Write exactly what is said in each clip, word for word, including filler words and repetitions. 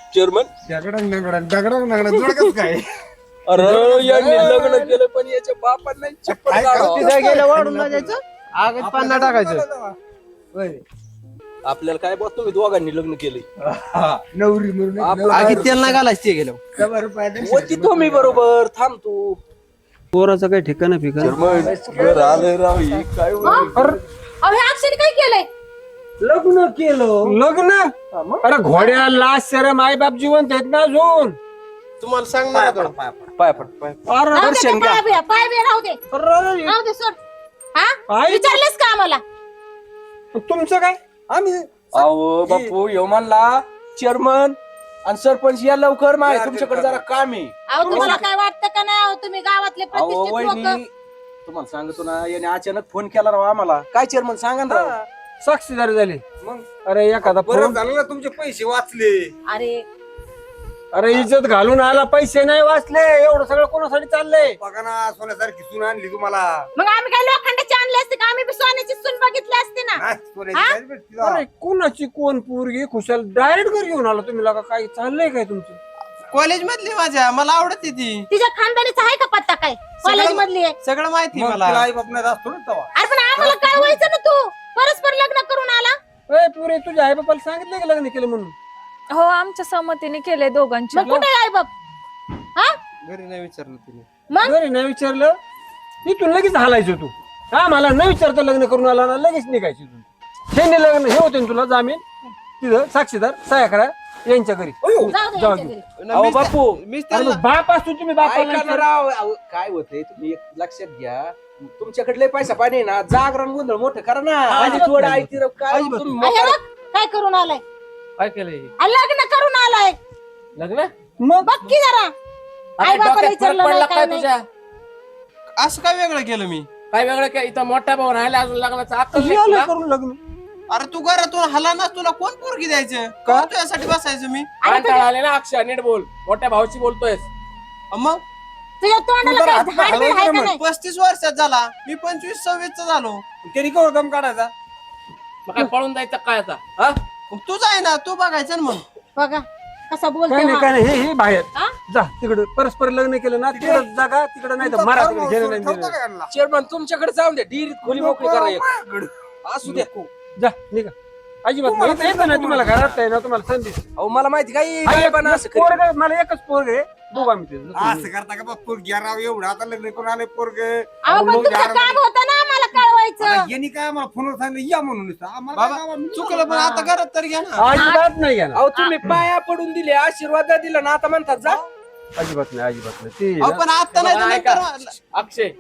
Chairman दगडंग दगडंग दगडंग दगडंग जोडकच काय अरे यांनी लग्न केलं पण याच्या बापांना चप्पल काढावं. तिथे गेलं वाढून ना जायचं आगत पान्ना टाकायचं. होय. आपल्याला काय बघ तुम्ही दोघांनी लग्न केले नवरी म्हणून आपलं आगी तेल नाही घालायचं ते गेलं शंभर रुपयात होती तुम्ही बरोबर थांब तू पोराचं काही ठिकाण फिकाण चेअरमन आलं राव ही काय अहो हे अक्षयने काय केलंय? लग्न केलं लग्न अरे घोड्या लाच शरम आई बाप जिवंत आहेत ना अजून तुम्हाला सांगणार का? पाय पड पाय अरे राहू दे दर्शन ते घ्या पाय बिया, पाय बिया राहू दे अरे, राहू दे सोड. हा आई- विचारलेस का आम्हाला? तुमचं काय आम्ही अहो बापू यो म्हणला चेअरमन आणि सरपंच या लवकर माय तुमच्याकडे जरा काम आहे. अहो तुम्हाला काय वाटतं का नाही? अहो तुम्ही गावातले अहो प्रतिष्ठित वहिनी लोक तुम्हाला सांगतो ना याने अचानक फोन केला राव आम्हाला काय चेअरमन सांगा ना राव. साक्षीदार झाले मग अरे एखादा बरं फोन झालं ना तुमचे पैसे वाचले. अरे अरे इज्जत घालून आला पैसे नाही वाचले एवढं सगळं कोणासाठी चाललंय बघा ना सोन्यासारखी सून आणली तुम्हाला. मग आम्ही काय लोखंडाची आणले असते का? आम्ही बी सोन्याची सून बघितली असते ना. नाही, सोन्याची हा? काय भेटती का? अरे कोणाची कोण पोरगी खुशाल डायरेक्ट घरी घेऊन आला तुम्ही लगा काय चाललंय काय तुमचं कॉलेज मधली माझ्या मला आवडते ती तिच्या खानदानीचा आहे का पत्ता काय? कॉलेज मधली आहे. सगळं माहिती मग मला तिला आई बाप नाही असतो ना तेव्हा. अरे पण आम्हाला कळवायचं ना तू परस्पर लग्न करून आला. ए पुरे तुझ्या आई बापाला सांगितलं का लग्न केलं म्हणून हो आमच्या संमतीने केले दोघांच्या मग कुठे आहे बाप? हा घरी नाही विचारलं तिने मग घरी नाही विचारलं इथून लगेच हालायचं तू हा मला न विचारता लग्न करून आला ना लगेच निघायची तू हे लग्न हे होते ना तुला जामीन तिथं साक्षीदार सह्या करा यांच्या घरी जाऊ दे जाऊ यांच्या दे. घरी. अहो बापू मीच अरे त्यांना मग बाप असतो तुम्ही बापाला ऐका ना विचार- राव अहो, काय होतंय तुम्ही एक लक्षात घ्या तुमच्याकडे लय पैसा पाणी आहे ना जागरण गोंधळ मोठं करा ना अजिबात थोडं नाही. ऐकती राव, काय अजिबात तुम्ही अरे मोकार- बघ, काय करून आलाय? काय केलंय आ, लग्न करून आलाय. लग्न मग बघ की जरा आई बापाला विचारलं नाही काय नाही. असं काय वेगळं केलं मी काय वेगळं काय इथं मोठा भाऊ राहिला अजून लग्नाचा अक्कल कशी नाही आलं तुला? करून लग्न अरे तू घरातून हला ना तुला कोण पोरगी द्यायचं का तुझ्यासाठी बसायचं मी कंटाळा आले ना अक्षय नीट बोल मोठ्या भाऊची बोलतोयस मग तुझ्या तोंडाला काय झाड बीड आहे का नाही? पस्तीस वर्षात झाला मी पंचवीस सव्वीस चा झालो त्यांनी कवर दम काढायचा. मग काय पळून जायचं काय आता हा मग तूच आहे ना तू बघायचं ना मग बघा कसा काय बोलतोय नाही हा. काय नाही हे हे बाहेर हा? जा तिकडे परस्पर लग्न केलं ना तिकडे जागा तिकडे नाही तर मारा तिकडे घेणं नाही देणं ठेवता नाही. का यांना? चेअरमन तुमच्याकडे जाऊन द्या डिरीत खोली मोकळी करा एक. असू द्या जा निघा अजिबात नाही इथं येतं नाही तुम्हाला घरात आहे ना तुम्हाला संधी अहो मला माहिती काय हा, एक- पण असं एक करीत. पोरगं- मला एकच पोरग आहे दोघं आम्ही ते. असं करता का बाप पोरगी राव एवढं आता लग्न करून आले पोरग. अहो पण तुमचं काम होतं ना आम्हाला कळवायचं. यांनी काय मला फोनवर सांगितलं या म्हणून नुसतं. आम्हाला बाबा काय बाबा, चुकलं पण आता घरात तर घ्या ना अजिबात नाही घेणार अहो तुम्ही पाया पडून दिले आशीर्वाद दिला ना आता म्हणतात जा अजिबात नाही अजिबात नाही ते अहो, पण आता नाही तर बघा, ऐका. नंतर अक्षय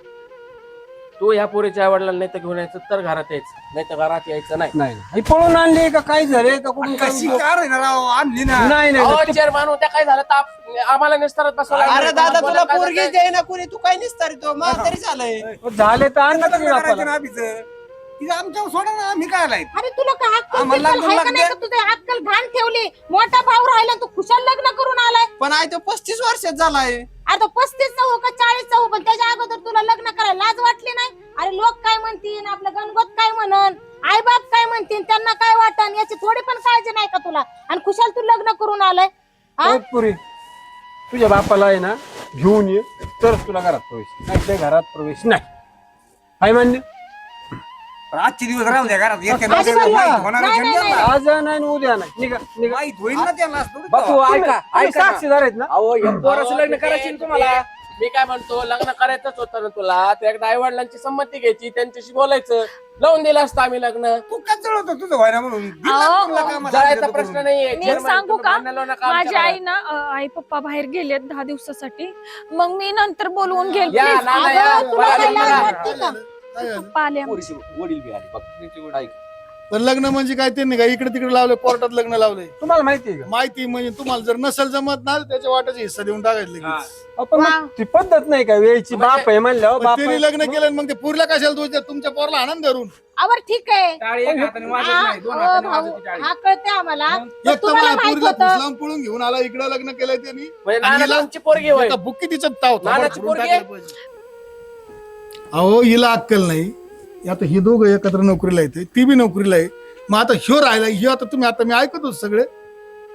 तू ह्या पोरीच्या वडिलांना नाही तर घेऊन यायचं तर घरात यायचं नाही तर घरात यायचं नाही नाही नाही. हे पळून आणले का काय झाले का कुठून काय कशी कार आहे ना राव आणली ना. नाही नाही अहो, चेअरमॅन होत्या काय झालं ताप आम्हाला निस्तारत बसवलं अरे दादा तुला पोरगी द्याय ना कुणी तू काय निसतारी तो मला तरी झालंय झाले तर आण ना लग्न तुम्ही करायचं बापाला. ना आधीचं. तिचं आमच्यावर सोडा ना आम्ही काय आलाय. अरे तुला काय अक्कल आम्हाला बिक्कल लागून आहे का नाही लागते. का? तुझे अक्कल घाण ठेवली. मोठा भाऊ राहिला तू खुशाल लग्न करून आलाय. पण आहे तो पस्तीस वर्षात झालाय अरे तो पस्तीस हो का चाळीस हो पण त्याच्या अगोदर तुला लग्न करायला लाज वाटली नाही? अरे लोक काय म्हणतील आपलं गणगोत काय म्हणन आई बाप काय म्हणतील त्यांना काय वाटन याची थोडी पण काळजी नाही का तुला? आणि खुशाल तू लग्न करून आलाय. हा? ओ पुरी तुझ्या बापाला आहे ना घेऊन ये तरच तुला घरात प्रवेश नाही तर घरात प्रवेश नाही काय मान्य पण आजचे दिवस राहू द्या घरात. एका अजिबात नवऱ्याला नाही. माहित होणार नाही, आहे नाही, त्यांना. आज नाही आणि उद्या नाही निघा निघा माहित होईल ना त्यांना असं थोडी बापू तेव्हा. ऐका तुम्ही ऐका ना. साक्षीदार आहेत ना अहो या पोराचं लग्न करायची ना तुम्हाला मी काय म्हणतो लग्न करायचंच होतं ना तुला तर एकदा आई वडिलांची संमती घ्यायची त्यांच्याशी बोलायचं लावून दिलं असतं आम्ही लग्न तू काय जळत होता तुझं व्हायला म्हणून. दिला अहो, तुला कामाला जळायचा सांगितलं प्रश्न करून. नाहीये मी Chairman, सांगू तुम्ही का? भांडण लावू नका माझी आमच्या आई ना अं, आई पप्पा बाहेर गेलेत दहा दिवसासाठी मग मी नंतर बोलवून घेईल या, please. ना, ना, अगं, या. तुला काय बाहेर लाज बघा. वाटते का? पप्पा आले आमचे. पोरीशी वडील बी आले बघ ऐक. पण लग्न म्हणजे काय ते नाही का इकडे तिकडे लावले कोर्टात लग्न लावले तुम्हाला माहिती आहे का माहिती म्हणजे तुम्हाला जर नसेल जमत ना त्याच्या वाटाचा हिस्सा देऊन टाकायचं लगेच. आपण मग ती पद्धत नाही का वेळची बाप आहे म्हणल्यावर पण बाप त्यांनी लग्न केलं आणि मग ते पुरला कशाला दोष देत? तुमच्या पोरला आनंद धरून आवर ठीक आहे. टाळी एक हाताने वाजत हा, नाही, दोन हो, हाताने भाऊ, वाजवते टाळी. हा कळते आम्हाला पण एक तर तुम्हाला मला माहित पुरीला होतं फुसलाम पळून घेऊन आला इकडे लग्न केलंय त्यांनी म्हणजे आणि नाना हिला- तुमची पोरगी होय एका बुक्की तिचं ताव थोबाड नानाची फोडून पोरगी? टाकायला पाहिजे. अहो हिला अक्कल नाही आता ही दोघं एकत्र नोकरीला येते ती बी नोकरीला आहे मग आता ह्यो राहिला ह्यो आता तुम्ही आता मी ऐकत होतो सगळे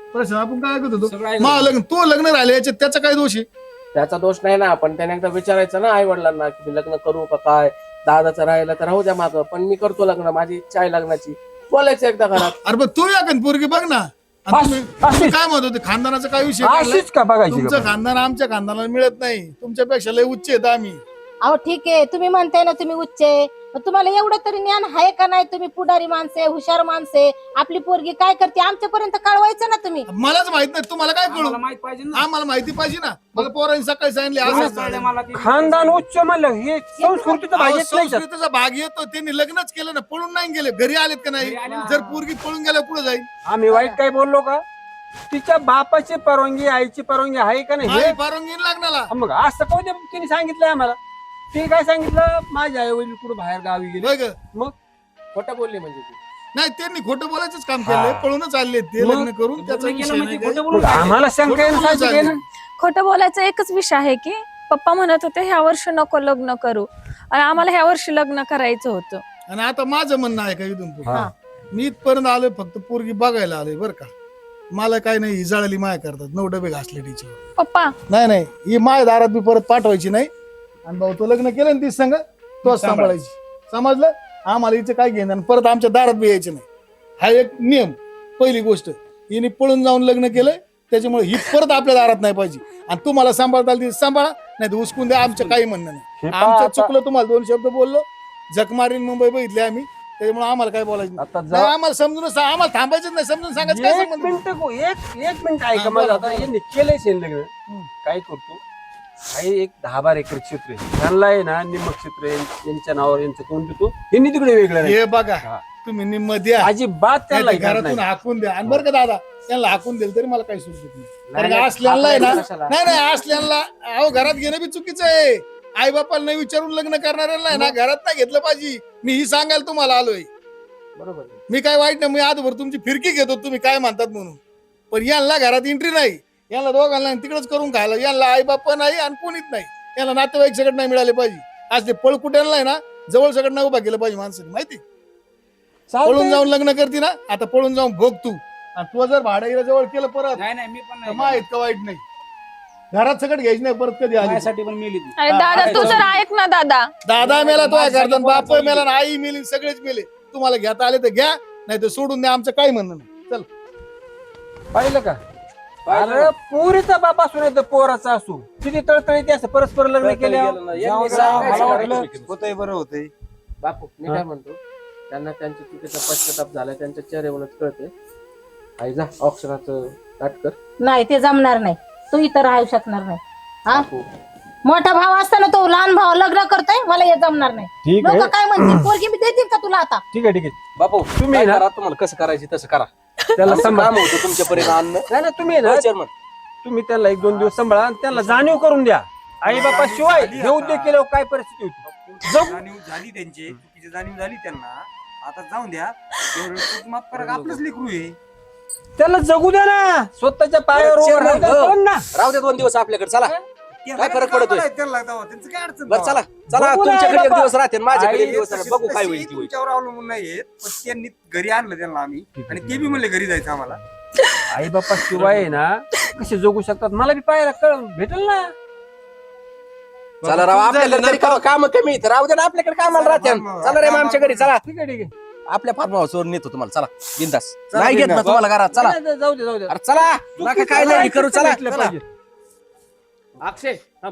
प्रश्न आपण काय ऐकत होतो सगळं ऐकत मा होतो. लग्न तो लग्न राहिले याच्यात त्याचा काय दोष आहे त्याचा दोष नाही ना, पण त्याने एकदा विचारायचं ना आई वडिलांना की मी लग्न करू का काय. दादाचं राहिलं तर राहू द्या मागं, पण मी करतो लग्न, माझी इच्छा आहे लग्नाची. बोलायचं एकदा घरात. अरे पण तू या पोरगी बघ ना आणि तुम्ही तुम्ही काय म्हणत होते खानदानाचा काय विषय काढलाय? अशीच का बघायची तुमचं का? खानदान आमच्या खानदानाला मिळत नाही, तुमच्यापेक्षा लय उच्च आहेत आम्ही. अहो ठीक आहे, तुम्ही म्हणताय ना तुम्ही उच्च आहे, पण तुम्हाला एवढं तरी ज्ञान आहे का नाही? तुम्ही पुढारी माणसे, हुशार माणसे, आपली पोरगी काय करते आमच्यापर्यंत कळवायचं ना तुम्ही. मलाच माहित नाही तुम्हाला काय कळू आम्हाला माहित पाहिजे ना. आम्हाला माहिती पाहिजे ना. मला पोरांनी सकाळी सांगितले तुम्हाला असं कळलं झालं. मला ते. खानदान उच्च म्हणलं हे संस्कृतीचं अहो, भाग्यच नाही त्यात. संस्कृतीचा भाग येतो, त्यांनी लग्नच केलं ना, पळून नाही गेले, घरी आलेत का नाही? घरी आले ना. जर पोरगी पळून गेल्या पुढे जाईल आम्ही वाईट काय बोललो का? तिच्या बापाची परवानगी आईची परवानगी आहे का नाही हे आई परवानगी लागणारा. हा मग असं कोणत्या तिने सांगितलंय आम्हाला? ते काय सांगितलं माझ्या आई वडील कुठं बाहेर गावी गेले. बघ मग खोटं बोलली म्हणजे ती. नाही त्यांनी खोटं बोलायचंच काम केलंय, हा. पळूनच आले ते मग लग्न करून त्याचा लग्न विषय केलं नाही म्हणजे काय. खोटं मग बोलून काय? आम्हाला शंका आहे ना, खोटं साहजिक आहे ना. खोटं बोलायचा एकच विषय आहे की पप्पा म्हणत होते ह्या वर्षी नको लग्न करू, आणि आम्हाला ह्या वर्षी लग्न करायचं होतं. आणि आता माझं म्हणणं आहे का इथून पुढे? हा. मी इथपर्यंत आलोय फक्त पोरगी बघायला आलोय बरं का. मला काय नाही, ही जळाली माया करतात, नऊ डबे घासले टीचर. पप्पा नाही नाही, ही माय दारात बी परत पाठवायची नाही. आणि भाऊ तो लग्न केलं ना तीच संग तोच सांभाळायची, समजलं? आम्हाला हिचं काय घेणं आणि परत आमच्या दारात बी यायचं नाही, हा एक नियम. पहिली गोष्ट, हिने पळून जाऊन लग्न केलंय त्याच्यामुळे ही परत आपल्या दारात नाही पाहिजे. आणि तुम्हाला सांभाळता आली ती सांभाळा, नाही तर उचकून द्या, आमचं काही म्हणणं नाही. हे पहा आमचं आता- चुकलं, तुम्हाला दोन शब्द बोललो, जग मारीन मुंबई बघितली आम्ही, त्याच्यामुळे आम्हाला काय बोलायचं नाही. आता नाही, जा- आम्हाला समजून सा- आम्हाला थांबायचंच नाही, समजून सांगायचं काय एक संबंध? मिनिट गो- एक एक मिनिट ऐका हा, माझं. बरं, आता यांनी केलंय शेण लग्न, काय करतो काही एक दहा बारा एकर क्षेत्र आहे, त्यांना आहे ना निम्म क्षेत्र आहे, यांच्या नावावर यांचं कोण देतो, यांनी तिकडे वेगळं नाही. हे बघा, हा. तुम्ही निम्म द्या, अजिबात त्यांना नाही तर घेणार घरातून नाही. हाकून द्या. आणि बरं का दादा, त्यांना हाकून दिलं तरी मला काही सुचत नाही. नाही, कारण नाही, असल्याला आहे ना, हाकून कशाला? नाही नाही असल्याला अहो घरात घेणं बी चुकीचं आहे. आई बापाला नाही विचारून लग्न करणाऱ्याला आहे ना घरात नाही घेतलं पाहिजे. मी ही सांगायला तुम्हाला आलोय. बरोबर आहे. मी काय वाईट नाही, मी आजभर तुमची फिरकी घेतो तुम्ही काय म्हणतात म्हणून, पण यांना घरात एंट्री नाही, यांना दोघांना तिकडेच करून खायला. यांना आई बाप नाही आणि कोणीच नाही, यांना नातेवाईक सगळं नाही मिळाले पाहिजे. आज ते पळ कुठ्यांना आहे ना जवळ सगळं नाही उभा केलं पाहिजे माणसाने, माहिती? चालतंय. पळून जाऊन लग्न करते ना, आता पळून जाऊन भोग तू. आणि तू जर भाड्याला जवळ केलं परत नाही नाही मी पण तर नाही मा इतकं वाईट नाही. घरात सगळं घ्यायची नाही परत कधी आली. माझ्यासाठी पण मेली ती. अरे हा, दादा आहे तू तो. तर ऐक ना दादा. दादा मेला तो आहे माझ्यासाठी करताना, बाप कोणाचं मेला आणि आई मेली, सगळेच मेले. तुम्हाला घेता आले तर घ्या, नाही तर सोडून द्या, आमचं काही म्हणणं नाही. चल पाहिलं का? अरे पुरीचा बाप असू नाही तर पोराचा असू, किती तळतळीत असं परस्पर लग्न केल्या. गेलं ना. जाऊ यांनी द्या, सांगायचं मला काय वाटलं चुकीचं? होतंय बरं होतंय. बापू मी हा. काय म्हणतो, त्यांना त्यांच्या चुकीचा पश्चाताप झाला, त्यांच्या चेहऱ्यावरूनच कळते. आई जा ऑप्शनाचं नाट कर. नाही ते जमणार नाही, तू इथं राहू शकणार नाही. हा बापू, मोठा भाव असताना तो लहान भाव लग्न करतोय, मला हे जमणार नाही. ठीक लोक आहे काय म्हणतील, पोरगी मी देतील का तुला आता? ठीक आहे ठीक आहे. बापू तुम्ही तुम्ही ना- करा, तुम्हाला कसं करायचं तसं करा. त्याला आमचं सांभाळ. काम होतं तुमच्यापर्यंत आणणं. नाही ना तुम्ही ना चेअरमन तुम्ही त्याला एक दोन दिवस सांभाळा आणि त्याला जाणीव करून द्या. आई बापा शिवाय हे उद्योग केल्यावर काय परिस्थिती होती. जाऊ. जाणीव झाली त्यांची, चुकीची जाणीव झाली त्यांना. आता जाऊन द्या, एवढं चूक माफ करा, आपलंच लेकरू आहे. त्याला जगू द्या ना, स्वतःच्या पायावर उभं राहू द्या, हो. कळलं ना. राहू दे दोन दिवस आपल्याकडे. चला काय फरक पडतोय? त्यांना तेव्हा त्यांचं काय अडचण बरं चला चला, बघू ना, तुमच्याकडे एक बाबा. दिवस राहते माझ्याकडे एक आई, दिवस राहते. बघू काय होईल ती होईल. तुमच्यावर अवलंबून नाहीये, पण त्यांनी घरी आणलं त्यांना आम्ही, आणि ते बी म्हणले घरी जायचं आम्हाला. आई बापा शिवाय आहे ना कसे जगू शकतात मला बी पाहायला कळ भेटेल ना. चला राव, आपल्याकडे तरी काम कमी आहेत. राहू दे ना, आपल्याकडे कामाला राहते. चला रे मग आमच्या घरी चला, ठीक आहे ठीक आहे. आपल्या फार्म हाऊसवर नेतो तुम्हाला. चला बिंदास, चला, नाही घेत ना बिनधास्त. तुम्हाला घरात. चला नाही, नाही, जाऊ दे जाऊ दे. अरे चला, नका काय नाही करू. चला भेटलं चला. पाहिजे. अक्षय थांब.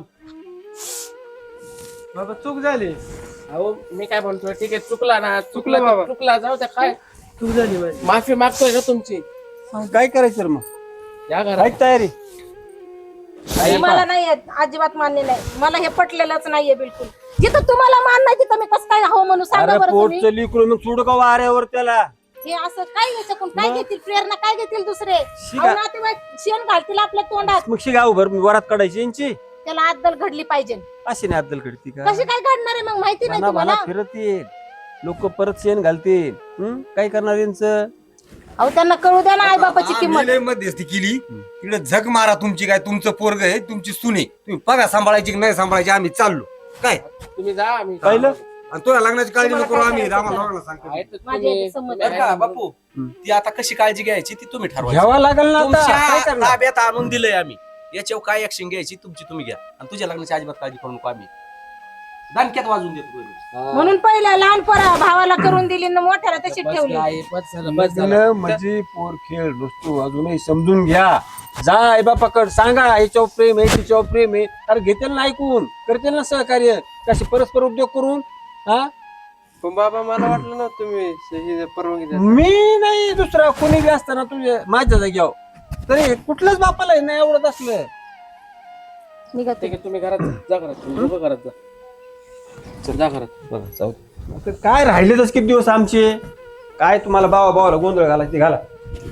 बाबा चूक झाली. अहो मी काय म्हणतोय, ठीक आहे चुकला ना, चुकला बाबा. तर चुकला, जाऊ द्या. काय चूक झाली माझी. माफी मागतोय का तुमची? काय करायचं रे मग? या घरात. ऐक तयारी. हे मला नाही येत, अजिबात मान्य नाही. मला हे पटलेलंच नाहीये बिलकुल. जिथं तुम्हाला मान नाही तिथं मी कसं काय हो म्हणून सांगा अरे बरं तुम्ही. पोटचं लिकरू मग सोड का वाऱ्यावर त्याला. हे असं काय याच्याकडून काय मग? घेतील, प्रेरणा काय घेतील दुसरे? शिगा. अहो, नातेवाईक शेण घालतील आपल्या तोंडात. मग शिगाव भर वरात काढायची यांची. त्याला अद्दल घडली पाहिजे. अशी नाही अद्दल कडती का? कशी काय घडणार आहे मग माहिती नाही मना तुम्हाला? मना फिरत येईल लोक, परत शेण घालतील. हम्म? काय करणार यांचं? अहो त्यांना कळू द्या ना आई बापाची आम्ही किंमत. लय मध्यस्थी केली, तिकडे झक मारा तुमची, काय तुमचं पोरग आहे, तुमची सुने, तुम्ही बघा सांभाळायची की नाही सांभाळायची, आम्ही चाललो. काय तुम्ही जा, आम्ही पाहिलं आणि तुला लग्नाची काळजी नको करू आम्ही आम्हाला दोघांना सांगतो आहे तर माझ्या तुम्ही- याच्यात संमत तुम्ही बरं का आहे. बापू ती आता कशी काळजी घ्यायची ती तुम्ही ठरवा घ्यावा लागेल ना आता काय तुमच्या करणार ताब्यात आणून दिलंय आम्ही याच्यावर काय ऍक्शन घ्यायची तुमची तुम्ही घ्या आणि तुझ्या लग्नाची अजिबात काळजी करू नको आम्ही दानक्यात वाजून देतो हा. म्हणून पहिला लहान पोरा भावाला करून दिली न मोठ्याला तशी बस ठेवली आई, बस झालं बस झालं लग्न म्हणजे पोर खेळ नसतो अजूनही समजून घ्या जा आई बापाकड सांगा याच्यावर प्रेम आहे तिच्यावर प्रेम आहे अरे घेतील ना ऐकून करतील ना सहकार्य कसे परस्पर उद्योग करून हा पण बाबा मला वाटलं ना तुम्ही ही परवानगी द्या. मी नाही दुसरा कोणी बी असताना तुझ्या माझ्या जाग्यावर तरी कुठल्याच बापाला हे नाही आवडत असलं निघत ठीक आहे तुम्ही घरात जा, जा घरात तुम्ही दोघं घरात जा चल जा घरात बरं, जाऊ दे. आता काय राहिलेच किती दिवस आमचे काय तुम्हाला बाबा बाबाला गोंधळ घाला ते घाला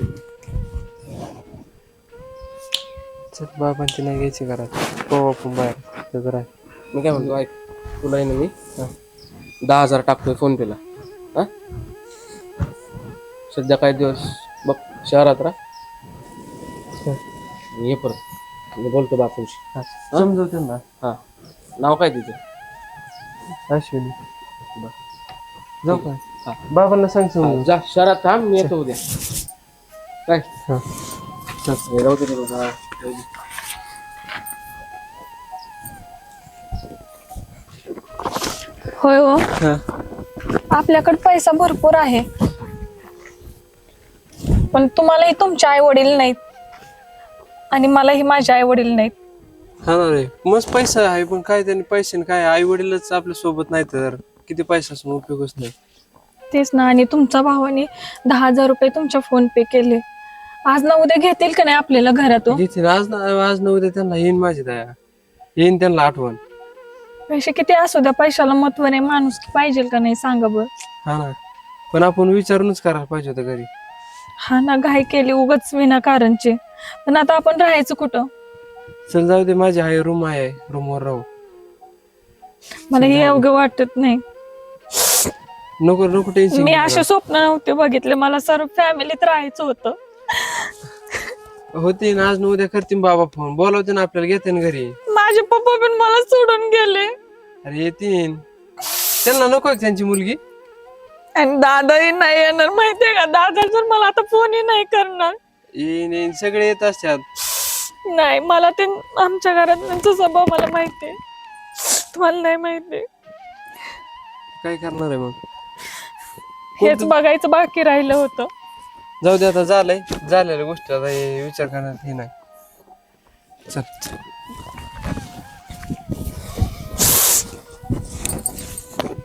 चल बाबांची नाही घ्यायची घरात हो आपण बाहेर ते जरा मी काय म्हणतो ऐक तुला आहे ना मी हा, दहा हजार टाकतोय फोन पेला हा सध्या काही दिवस बघ शहरात राहा ये परत मी बोलतो बापूंशी समजवते ना हा नाव काय तिचं अश्विनी बरं. जाऊ हा. काय बाबांना सांग हा, समजून जा शहरात थांब मी येतो उद्या काय हा. चल, राहू दे रे बाबा. राहू दे. होय हो हा. आपल्याकडे पैसा भरपूर आहे पण तुम्हालाही तुमचे आई वडील नाहीत आणि मलाही माझे आई वडील नाहीत. हा ना रे मस्त पैसा आहे पण काय त्यांनी पैसे काय आई वडीलच आपल्या सोबत नाही तर किती पैसा असून उपयोगच नाही. तेच ना आणि तुमच्या भावाने दहा हजार रुपये तुमच्या फोन पे केले. आज ना उद्या घेतील का नाही आपल्याला घरातून? घेतील आज ना आज न उद्या त्यांना येईन माझी दया येईन त्यांना आठवण. पैसे किती असू द्या पैशाला महत्व नाही माणूस पाहिजे का नाही सांगा बरं. हा ना पण आपण विचारूनच करायला पाहिजे होतं घरी. हा ना घाई केली उगाच विनाकारणचे पण आता आपण राहायचं कुठं? चल जाऊ दे माझी आहे रूम आहे रूमवर राहू. मला हे अवघं वाटत नाही. नको नको टेन्शन मी असे स्वप्न नव्हते बघितले मला सर्व फॅमिलीत राहायचं होतं. होते ना आज न उद्या करतील बाबा फोन बोलावते ना आपल्याला घेते ना घरी. माझे पप्पा पण मला सोडून गेले अरे येतील त्यांना नको का त्यांची मुलगी. आणि दादाही नाही येणार माहितीये का? दादा जर मला आता फोनही नाही करणार. येईन येईन सगळे येत असतात. नाही मला ते आमच्या घरात त्यांचा स्वभाव मला माहितीये तुम्हाला नाही माहिती. काय करणार आहे मग. हेच बघायचं बाकी राहिलं होतं. जाऊ दे आता झालंय झालेल्या गोष्टी आता हे विचार करण्यात हे नाही. चल